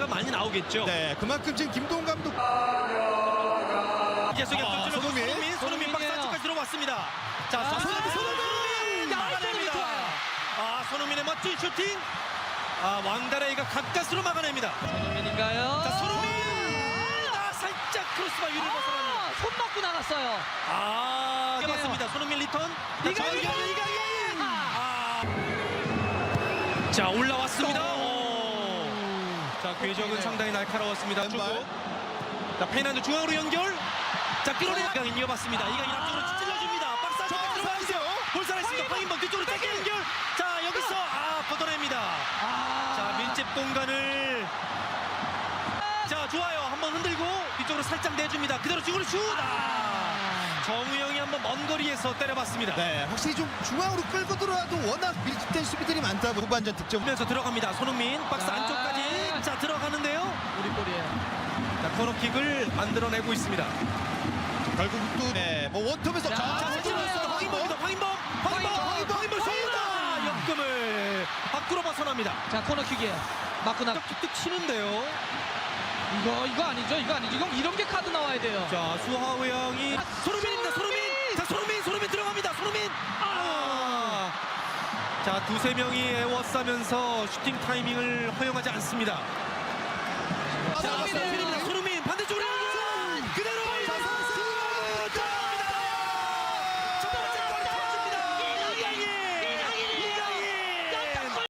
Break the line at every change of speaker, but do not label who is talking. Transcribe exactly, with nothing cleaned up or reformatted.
기회가 많이 나오겠죠.
네, 그만큼 지금 김도훈 감독
이제 속에
아,
뚫뚫
손흥민.
손흥민 손흥민 박스
손흥민이에요.
안쪽까지 들어왔습니다. 자,
아,
손흥민
손흥민!
손흥민 막아냅니다.
좋아요.
아, 손흥민의 멋진 슈팅. 아, 왕다레이가 가까스로 막아냅니다.
손흥민인가요?
자, 손흥민. 아, 살짝 크로스바 위를 벗어납니다.
아, 손 맞고 나갔어요.
아,
이게요.
맞습니다. 손흥민 리턴.
이강인!
자, 이강인, 이강인. 아. 자, 올라왔습니다. 오. 자, 궤적은
네.
상당히 날카로웠습니다.
왼발.
주고. 자, 페난도 중앙으로 연결. 자, 끌어내. 이강인 이어봤습니다. 이강인 앞쪽으로 찔러줍니다. 박스 안쪽에 들어가죠. 볼살했습니다. 황인범 뒤쪽으로 짧게 연결. 자, 여기서 아, 걷어냅니다.
아.
자, 밀집 공간을. 자, 좋아요. 한번 흔들고 뒤쪽으로 살짝 내줍니다. 그대로 중으로 슛. 아. 정우영이 한번 먼 거리에서 때려봤습니다.
네, 확실히 좀 중앙으로 끌고 들어와도 워낙 밀집된 수비들이 많다. 후반전 득점.
면서 들어갑니다. 손흥민 박스
아.
안쪽까지. 자, 들어가는데요.
우리 골이에요.
자, 코너킥을 만들어내고 있습니다.
결국 또 네, 뭐 원톱에서
자,
자,
아,
찔러서
좋아요.
황인범입니다. 황인범, 황인범,
황인범,
황인범 쏘다. 역금을 밖으로 벗어납니다.
자, 코너킥이에요. 맞고 나.
툭툭 치는데요.
이거 이거 아니죠? 이거 아니죠? 이건 이런 게 카드 나와야 돼요.
자, 수하우 형이
아,
손흥민입니다. 손흥민.
손흥민!
자, 손흥민, 손흥민 들어갑니다. 손흥민. 아. 자, 두세 명이 에워싸면서 슈팅 타이밍을 허용하지 않습니다.